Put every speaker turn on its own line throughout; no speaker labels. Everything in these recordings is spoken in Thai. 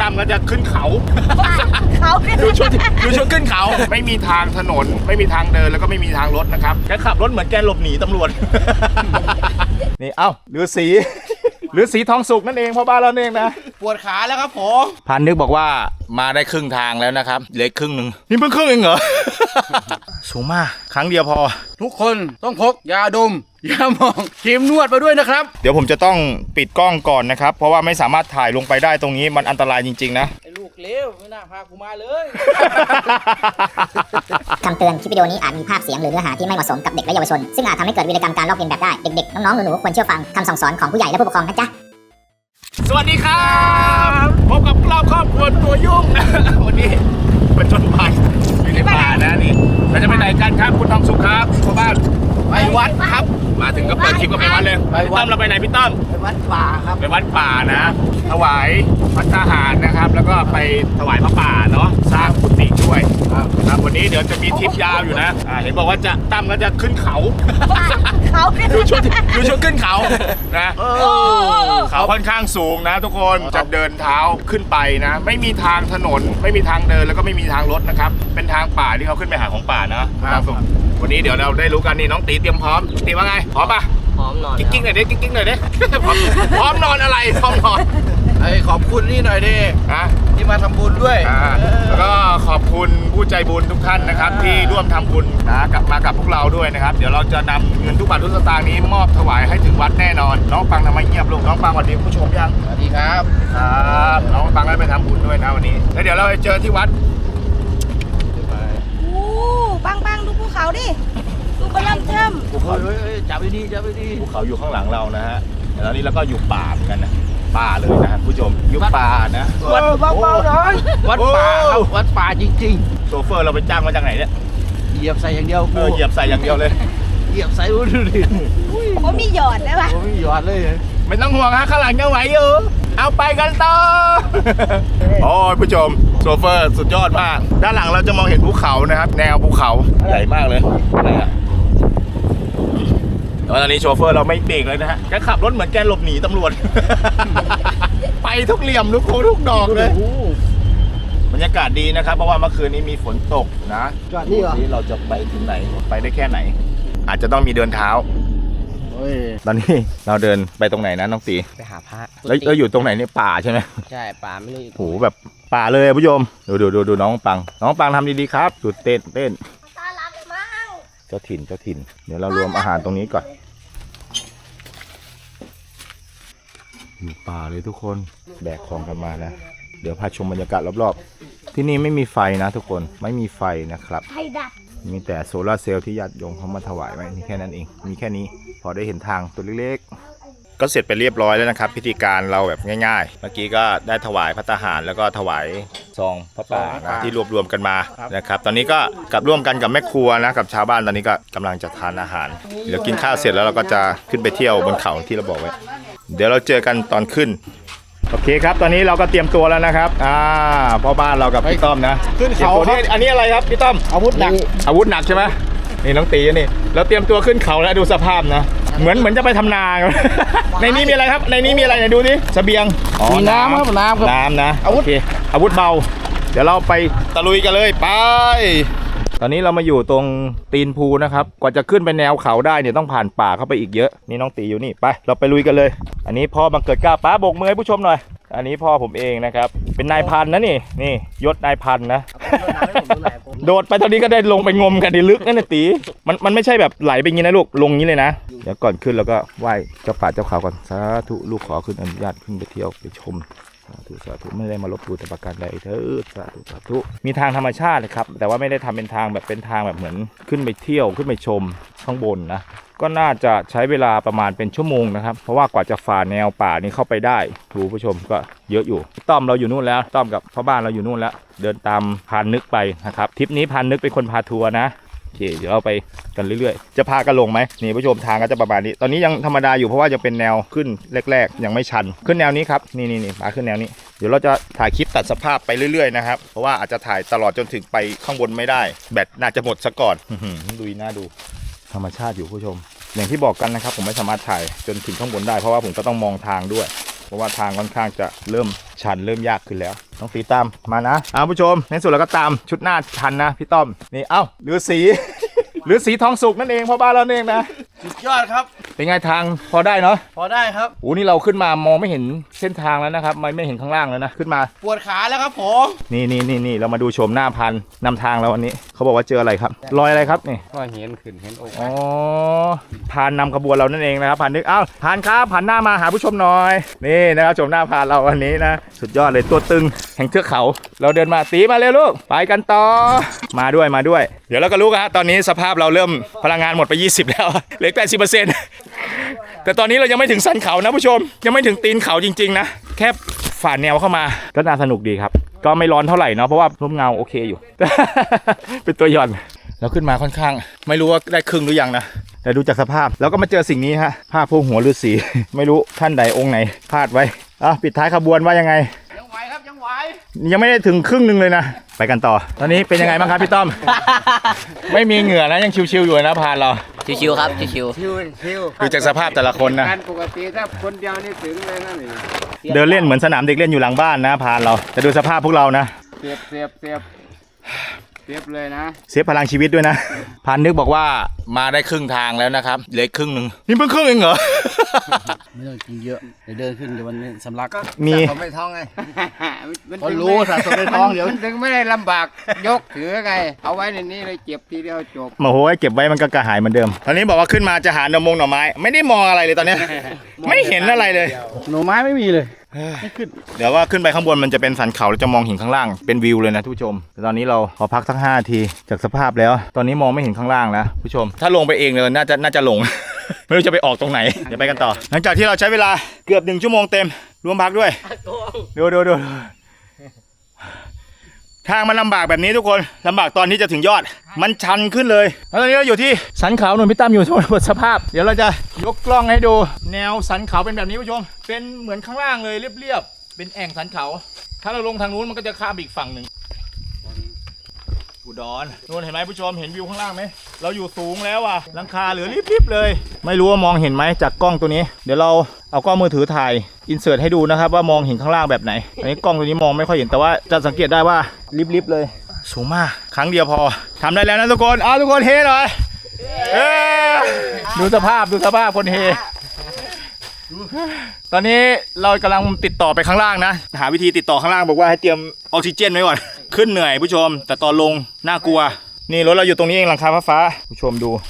ตั้มก็จะขึ้นเขา
เขา
ดูชุดขึ้นเขาไม่มีทางถนนไม่มีทางเดินแล้วก็ไม่มีทางรถนะครับแกขับรถเหมือนแกหลบหนีตำรวจ นี่เอ้าฤาษีทองสุกนั่นเองพ่อบ้านเราเองนะ
ปวดขาแล้วครับผม
พันนึกบอกว่ามาได้ครึ่งทางแล้วนะครับเหลือครึ่งหนึ่งนี่เพิ่งครึ่งเองเหรอ สูงมากครั้งเดียวพอ
ทุกคนต้องพกยาดมยาหมองครีมนวดมาด้วยนะครับ
เดี๋ยวผมจะต้องปิดกล้องก่อนนะครับเพราะว่าไม่สามารถถ่ายลงไปได้ตรงนี้มันอันตรายจริงๆนะ
ไอ้ลูกเลวไม่น่าพากูมาเลย
คำเตือนคลิปวิดีโอนี้อาจมีภาพเสียงหรือเนื้อหาที่ไม่เหมาะสมกับเด็กและเยาวชนซึ่งอาจทำให้เกิดวีรกรรมการลอกเลียนแบบได้เด็กๆน้องๆหนูๆควรเชื่อฟังคำสั่งสอนของผู้ใหญ่และผู้ปกครองนะจ๊ะ
สวัสดีครับพบกับเราครอบครัวตัวยุ่งนะวันนี้มาจนภัยอยู่ในป่านะนี่เราจะไปไหนกันครับคุณทองสุขครับพ่อบ้าน
ไปวัดครับ
มาถึงก็เปิดคลิปก็ไปวัดเลยพี่ต้อมเราไปไหนพี่ต้อม
ไปวัดป่าครับ
ไปวัดป่านะถวายพระทหารนะครับแล้วก็ไปถวายพระป่าเนาะสร้างกุฏิด้วยครับวันนี้เดี๋ยวจะมีทริปยาวอยู่นะเห็นบอกว่าจะตั้มก็จะขึ้นเขาดูชุดขึ้นเขานะเขาค่อนข้างสูงนะทุกคนจะเดินเท้าขึ้นไปนะไม่มีทางถนนไม่มีทางเดินแล้วก็ไม่มีทางรถนะครับเป็นทางป่าที่เขาขึ้นไปหาของป่านะครับวันนี้เดี๋ยวเราได้รู้กันนี่น้องตีเตรียมพร้อมตีว่าไงพร้อมปะ
พร้อมนอน
กิ๊กๆหน่อยดิกิ๊กๆหน่อยดิพร้อมนอนอะไรพร้อมนอน
ไอ้ขอบคุณนี่หน่อยดิที่มาทำบุญด้วย
แล้วก็ขอบคุณผู้ใจบุญทุกท่านนะครับที่ร่วมทำบุญนะมากับพวกเราด้วยนะครับเดี๋ยวเราจะนำเงินทุกบาททุกสตางค์นี้มอบถวายให้ถึงวัดแน่นอนน้องปังทำไมเงียบลูกน้องปังสวัสดีผู้ชมยัง
สวัสดีครับ
น้องปังได้ไปทำบุญด้วยนะวันนี้แล้วเดี๋ยวเราไปเจอที่วัด
ปังดูภูเขาดิดูกระลำเทิม
ภูเขาจับไปดี
ภูเขาอยู่ข้างหลังเรานะฮะแล้วนี่เราก็อยู่ป่าเหมือนกันนะป่าเลยนะผู้ชมอยู่ป่านะ
วัดเบาๆหน่อยวัดป่าครับวัดป่าจริง
ๆโชเฟอร์เราไปจ้างมาจากไหนเนี่ย
เหยียบใส่อย่างเดียว
เหยียบใส่อย่างเดียวเลย
เหยียบใส่ดูดิ
เขามีหยอดได้ปะ
เขามีหยอดเลย
ไม่ต้องห่วงฮะข้างหลังยังไหวอยู่เอาไปกันต่อโอ้ยผู้ชมโชเฟอร์สุดยอดมากด้านหลังเราจะมองเห็นภูเขานะครับแนวภูเขาใหญ่มากเลยอะไรอะตอนนี้โชเฟอร์เราไม่เบรกเลยนะฮะแกขับรถเหมือนแกหลบหนีตำรวจ ไปทุกเหลี่ยมทุกโค้งทุกดอกเลยบรรยากาศดีนะครับเพราะว่าเมื่อคืนนี้มีฝนตกนะนี่เราจะไปถึงไหนไปได้แค่ไหนอาจจะต้องมีเดินเท้าตอนนี้เราเดินไปตรงไหนนะน้องตี
ไปหาพระ
แล้วอยู่ตรงไหนเนี่ยป่าใช่ไหม
ใช่ป่าไม่รู้
โหแบบป่าเลยผู้ชมดูน้องปังทำดีๆครับจุดเต้น
ตาลับมั่ง
เจ้าถิ่นเดี๋ยวเรารวมอาหารตรงนี้ก่อนอยู่ป่าเลยทุกคนแบกของกันมานะเดี๋ยวพาชมบรรยากาศรอบๆที่นี่ไม่มีไฟนะทุกคนไม่มีไฟนะครับ
ไฟดับ
มีแต่โซลาร์เซลล์ที่ญาติโยมเขามาถวายไว้นี่แค่นั้นเองมีแค่นี้พอได้เห็นทางตัวเล็กๆก็เสร็จไปเรียบร้อยแล้วนะครับพิธีการเราแบบง่ายๆเมื่อกี้ก็ได้ถวายพระทหารแล้วก็ถวายซองพระป่านะที่รวมกันมานะครับตอนนี้ก็กับร่วมกันกับแม่ครัวนะกับชาวบ้านตอนนี้ก็กำลังจะทานอาหารเดี๋ยวกินข้าวเสร็จแล้วเราก็จะขึ้นไปเที่ยวบนเขาที่เราบอกไว้เดี๋ยวเราเจอกันตอนขึ้นโอเคครับตอนนี้เราก็เตรียมตัวแล้วนะครับพ่อบ้านเรากับพี่ต้อมนะ
ขึ้นเขา
อันนี้อะไรครับพี่ต้อม
อาวุธห
นักใช่ไหมนี่น้องตีนี่เราเตรียมตัวขึ้นเขาแล้วดูสภาพนะเหมือนจะไปทำนาในนี้มีอะไรครับในนี้มีอะไรดูดิเสบียง
มีน้ำครับ
น้ำนะโอเคอาวุธเบาเดี๋ยวเราไปตะลุยกันเลยไปตอนนี้เรามาอยู่ตรงตีนภูนะครับกว่าจะขึ้นไปแนวเขาได้เนี่ยต้องผ่านป่าเข้าไปอีกเยอะนี่น้องตีอยู่นี่ไปเราไปลุยกันเลยอันนี้พ่อบังเกิดกล้าป้าโบกมือให้ผู้ชมหน่อยอันนี้พ่อผมเองนะครับเป็นนายพันนะนี่ยศนายพันนะโดดไปตอนนี้ก็ได้ลงไปงมกันดีลึกนั่นนะตีมันไม่ใช่แบบไหลไปงี้นะลูกลงงี้เลยนะเดี๋ยวก่อนขึ้นเราก็ไหว้เจ้าป่าเจ้าเขาก่อนสาธุลูกขอขึ้นอนุญาตขึ้นไปเที่ยวไปชมสาธุไม่ได้มาลบหลู่แต่ประการใดเถิดสาธุมีทางธรรมชาติครับแต่ว่าไม่ได้ทำเป็นทางแบบเหมือนขึ้นไปเที่ยวขึ้นไปชมข้างบนนะก็น่าจะใช้เวลาประมาณเป็นชั่วโมงนะครับเพราะว่ากว่าจะฝ่าแนวป่านี้เข้าไปได้ผู้ชมก็เยอะอยู่ต้อมเราอยู่นู่นแล้วต้อมกับพ่อบ้านเราอยู่นู่นแล้วเดินตามพานนึกไปนะครับทริปนี้พานนึกเป็นคนพาทัวร์นะโอเคเดี๋ยวเราไปกันเรื่อยๆจะพากันลงไหมนี่ผู้ชมทางก็จะประมาณนี้ตอนนี้ยังธรรมดาอยู่เพราะว่ายังเป็นแนวขึ้นแรกๆยังไม่ชันขึ้นแนวนี้ครับนี่มาขึ้นแนวนี้เดี๋ยวเราจะถ่ายคลิปตัดสภาพไปเรื่อยๆนะครับเพราะว่าอาจจะถ่ายตลอดจนถึงไปข้างบนไม่ได้แบตน่าจะหมดซะก่อนดูน่าดูธรรมชาติอยู่ผู้ชมอย่างที่บอกกันนะครับผมไม่สามารถถ่ายจนถึงข้างบนได้เพราะว่าผมก็ต้องมองทางด้วยเพราะว่าทางค่อนข้างจะเริ่มชันเริ่มยากขึ้นแล้วต้องตีตามมานะผู้ชมในสุดเราก็ตามชุดหน้าชันนะพี่ต้อมนี่ฤาษี ฤาษีทองสุกนั่นเองพ่อบ้านเราเองนะ
สุดยอดครับ
เป็นไงทางพอได้เนาะ
พอได้ครับ
นี่เราขึ้นมามองไม่เห็นเส้นทางแล้วนะครับไม่เห็นข้างล่างแล้วนะขึ้นมา
ปวดขาแล้วครับผม
นี่เรามาดูชมหน้าพันนำทางเราวันนี้เขาบอกว่าเจออะไรครับรอยอะไรครับนี่
ก็เห็นขึ้นเห็นอก
อ๋อพานนำขบวนเรานั่นเองนะครับพานนึกพานครับหันหน้ามาหาผู้ชมหน่อยนี่นะครับชมหน้าพานเราวันนี้นะสุดยอดเลยตัวตึงแห่งเทือกเขาเราเดินมาตีมาเร็วลูกไปกันต่อมาด้วยเดี๋ยวเราก็รู้ฮะตอนนี้สภาพเราเริ่มพลังงานหมดไป20แล้วเหลือ80%แต่ตอนนี้เรายังไม่ถึงสันเขานะผู้ชมยังไม่ถึงตีนเขาจริงๆนะแค่ฝ่าแนวเข้ามาก็น่าสนุกดีครับก็ไม่ร้อนเท่าไหร่เนาะเพราะว่าร่มเงาโอเคอยู่ เป็นตัวหย่อนแล้วขึ้นมาค่อนข้างไม่รู้ว่าได้ครึ่งหรือยังนะแต่ดูจากสภาพแล้วก็มาเจอสิ่งนี้ฮะผ้าโพกหัวฤาษี ไม่รู้ท่านใดองค์ไหนพลาดไว้ปิดท้ายขบวนว่ายังไง
ยังไหวครับยังไหว
ยังไม่ได้ถึงครึ่งนึงเลยนะไปกันต่อตอนนี้เป็นยังไงบ้างครับพี่ต้อม ไม่มีเหงื่อนะยังชิวๆอยู่นะพานเรา
ชิวๆครับชิว
ชิว
ดูจากสภาพแต่ละคนนะ
การปกติถ้าคนเดียวนี่ถึงเลยนั่นนี่
เดินเล่นเหมือนสนามเด็กเล่นอยู่หลังบ้านนะพานเราแต่ดูสภาพพวกเรานะ
เสียบเลยนะ
เสียพลังชีวิตด้วยนะพานนึกบอกว่ามาได้ครึ่งทางแล้วนะครับเหลือครึ่งนึงนี่เพิ่งครึ่งเองเหรอ
ไม่ต้องกินเยอะเดี๋ยวเดินขึ้นเดี๋ยวมันสำลัก
มี
สะสมในท้องไง
เขารู้สะสมในท้องเดี๋ยว
ถึงไม่ได้ลำบากยกถือไงเอาไว้ในนี้เลยเจ็บทีเดียวจบ
โอ้โหเก็บไว้มันก็กระหายเหมือนเดิมตอนนี้บอกว่าขึ้นมาจะหาหน่อไม้ไม่ได้มองอะไรเลยตอนเนี้ย ไม่เห็นอะไรเลย
หน่อไม้ไม่มีเลย
เดี๋ยวว่าขึ้นไปข้างบนมันจะเป็นสันเขาแล้วจะมองเห็นข้างล่างเป็นวิวเลยนะทุกผู้ชมแต่ตอนนี้เราขอพักสัก5 นาทีจากสภาพแล้วตอนนี้มองไม่เห็นข้างล่างแล้วผู้ชมถ้าลงไปเองเลยน่าจะหลง ไม่รู้จะไปออกตรงไหนเดี๋ยวไปกันต่อหลังจากที่เราใช้เวลาเกือบ1 ชั่วโมงเต็มรวมพักด้วยดูทางมันลำบากแบบนี้ทุกคนลำบากตอนที่จะถึงยอดมันชันขึ้นเลยแล้วตอนนี้เราอยู่ที่สันเขาหนุนพี่ตั้มอยู่บนสภาพเดี๋ยวเราจะยกกล้องให้ดูแนวสันเขาเป็นแบบนี้ผู้ชมเป็นเหมือนข้างล่างเลยเรียบๆเป็นแอ่งสันเขาถ้าเราลงทางนู้นมันก็จะข้ามอีกฝั่งหนึ่งอุดรนู่นเห็นไหมผู้ชมเห็นวิวข้างล่างไหมเราอยู่สูงแล้วอ่ะหลังคาเหลือริบๆเลยไม่รู้ว่ามองเห็นไหมจากกล้องตัวนี้เดี๋ยวเราเอากล้องมือถือถ่ายอินเสิร์ตให้ดูนะครับว่ามองเห็นข้างล่างแบบไหนอันนี้กล้องตัวนี้มองไม่ค่อยเห็นแต่ว่าจะสังเกตได้ว่าริบๆเลยสูงมากครั้งเดียวพอทำได้แล้วนะทุกคนทุกคนเฮหน่อยดูสภาพคนเฮตอนนี้เรากำลังติดต่อไปข้างล่างนะหาวิธีติดต่อข้างล่างบอกว่าให้เตรียมออกซิเจนไว้ก่อนขึ้นเหนื่อยผู้ชมแต่ตอนลงน่ากลัวนี่รถเราอยู่ตรงนี้เองหลังคาฟ้าผู้ชมดู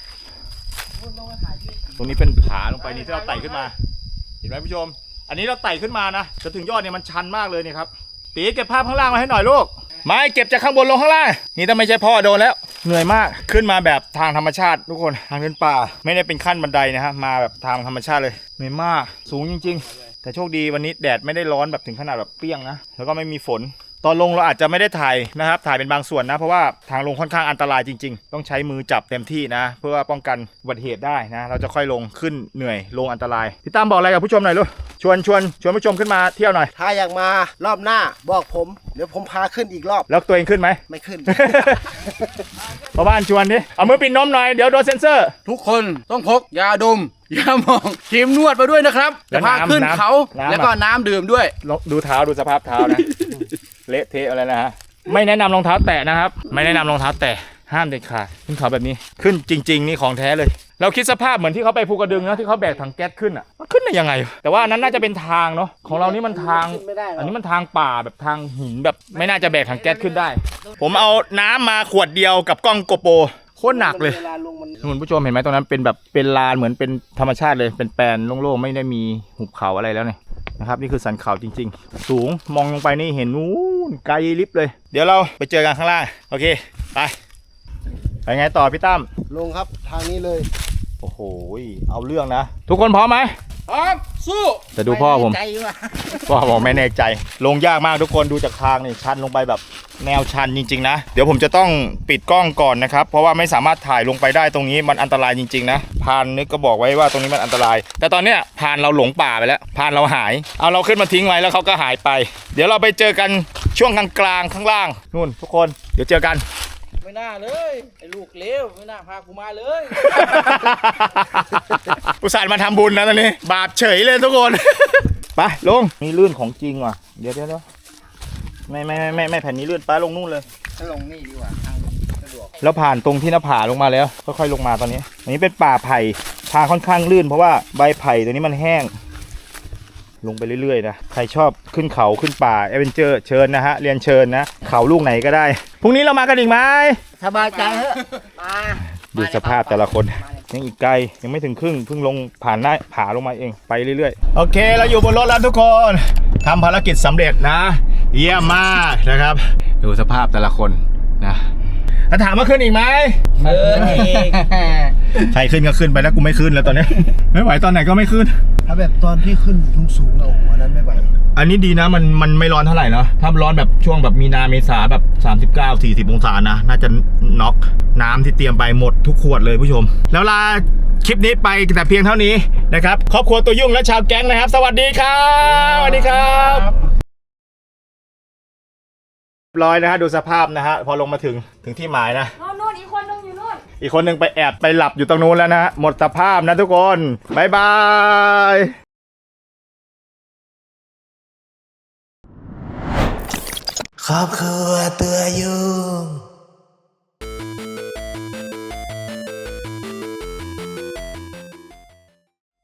ตรงนี้เป็นผาลงไปนี่ที่เราไต่ขึ้นมาเห็นไหมผู้ชมอันนี้เราไต่ขึ้นมานะจะถึงยอดเนี่ยมันชันมากเลยนี่ครับตีเก็บภาพข้างล่างมาให้หน่อยลูกไม่เก็บจากข้างบนลงข้างล่างนี่ถ้าไม่ใช่พ่อโดนแล้วเหนื่อยมากขึ้นมาแบบทางธรรมชาติทุกคนทางเป็นป่าไม่ได้เป็นขั้นบันไดนะฮะมาแบบทางธรรมชาติเลยเหนื่อยมากสูงจริงๆแต่โชคดีวันนี้แดดไม่ได้ร้อนแบบถึงขนาดแบบเปรี้ยงนะแล้วก็ไม่มีฝนตอนลงเราอาจจะไม่ได้ถ่ายนะครับถ่ายเป็นบางส่วนนะเพราะว่าทางลงค่อนข้างอันตรายจริงๆต้องใช้มือจับเต็มที่นะเพื่อป้องกันอุบัติเหตุได้นะเราจะค่อยลงขึ้นเหนื่อยลงอันตรายพี่ตั้มบอกอะไรกับผู้ชมหน่อยลูกชวนผู้ชมขึ้นมาเที่ยวหน่อย
ถ้าอยากมารอบหน้าบอกผมเดี๋ยวผมพาขึ้นอีกรอบ
แล้วตัวเองขึ้นไหม
ไม่ขึ้น
พ่อบ้านชวนดิเอามือปิดนมหน่อยเดี๋ยวโดนเซ็นเซอร์
ทุกคนต้องพกยาดมยาหมองครีมนวดมาด้วยนะครับจะพาขึ้นเขาแล้วก็น้ำดื่มด้วย
ดูเท้าดูสภาพเท้านะ เละเทะอะไรนะฮะไม่แนะนำรองเท้าแตะนะครับไม่แนะนำรองเท้าแตะห้ามเด็ดขาดขึ้นเขาแบบนี้ขึ้นจริงๆนี่ของแท้เลยเราคิดสภาพเหมือนที่เขาไปภูกระดึงนะที่เขาแบกถังแก๊สขึ้นอ่ะมันขึ้นได้ยังไงแต่ว่านั้นน่าจะเป็นทางเนาะของเรานี่มันทางอันนี้มันทางป่าแบบทางหินแบบไม่น่าจะแบกถังแก๊สขึ้นได้ผมเอาน้ำมาขวดเดียวกับกล้องโกโปรโคตรหนักเลยคุณผู้ชมเห็นไหมตรงนั้นเป็นแบบเป็นลานเหมือนเป็นธรรมชาติเลยเป็นแปลนโล่งๆไม่ได้มีหุบเขาอะไรแล้วเนี่ยนะครับนี่คือสันเขาจริงๆสูงมองลงไปนี่เห็นนู้นไกลลิบเลยเดี๋ยวเราไปเจอกันข้างล่างโอเคไปไงต่อพี่ตั้ม
ลงครับทางนี้เลย
โอ้โหเอาเรื่องนะทุกคนพร้อมไหม
พร้อมสู้
จะดูพ่อผมพ่อบอกไม่แน่ใจลงยากมากทุกคนดูจากทางนี่ชันลงไปแบบแนวชันจริงๆนะเดี๋ยวผมจะต้องปิดกล้องก่อนนะครับเพราะว่าไม่สามารถถ่ายลงไปได้ตรงนี้มันอันตรายจริงๆนะพานนึกก็บอกไว้ว่าตรงนี้มันอันตรายแต่ตอนเนี้ยพานเราหลงป่าไปแล้วพานเราหายเอาเราขึ้นมาทิ้งไว้แล้วเขาก็หายไปเดี๋ยวเราไปเจอกันช่วงกลางข้างล่างนู่นทุกคนเดี๋ยวเจอกัน
ไม่น่าเลยไอ้ลูกเลวไม่น่าพากูมาเลย
อุตส่าห์มาทำบุญนะตอนนี้บาปเฉยเลยทุกคน ไปไปลงนี่ลื่นของจริงว่ะเดี๋ยวไม่แผ่นนี้ลื่นไปลงนู่นเลย
ถ้าลงนี่ดีกว่าทางสะดวก
แล้วผ่านตรงที่หน้าผาลงมาแล้วค่อยๆลงมาตอนนี้อันนี้เป็นป่าไผ่ทางค่อนข้างลื่นเพราะว่าใบไผ่ตัวนี้มันแห้งลงไปเรื่อยๆนะใครชอบขึ้นเขาขึ้นป่าแอดเวนเจอร์เชิญนะฮะเรียนเชิญนะเขาลูกไหนก็ได้พรุ่งนี้เรามากันอีกไหม
สบายใจเถอะ
ดูสภาพแต่ละคนยังอีกไกลยังไม่ถึงครึ่งเพิ่งลงผ่านหน้าผาลงมาเองไปเรื่อยๆโอเคเราอยู่บนรถแล้วทุกคนทำภารกิจสำเร็จนะเยี่ยมมากนะครับดูสภาพแต่ละคนนะถ้าถามว่าขึ้นอีกไหมใครขึ้นก็ขึ้นไปแล้วกูไม่ขึ้นแล้วตอนนี้ ไม่ไหวตอนไหนก็ไม่ขึ้น
ถ้าแบบตอนที่ขึ้นสูงๆโอ้โหอันนั้นไม่ไหว
อันนี้ดีนะมันไม่ร้อนเท่าไหร่เนาะถ้าร้อนแบบช่วงแบบมีนาเมษาแบบ39-40องศานะน่าจะน็อกน้ำที่เตรียมไปหมดทุกขวดเลยผู้ชมแล้วลาคลิปนี้ไปแต่เพียงเท่านี้นะครับครอบครัวตัวยุ่งและชาวแก๊งนะครับสวัสดีครับสวัสดีครับร้อยนะฮะดูสภาพนะฮะพอลงมาถึงที่หมายนะ
นู่นอีกคนนึงอยู่นู่น
อีกคนหนึ่งไปแอบไปหลับอยู่ตรงนู้นแล้วนะฮะหมดสภาพนะทุกคนบ๊ายบายครอบครัวตัวยุ่ง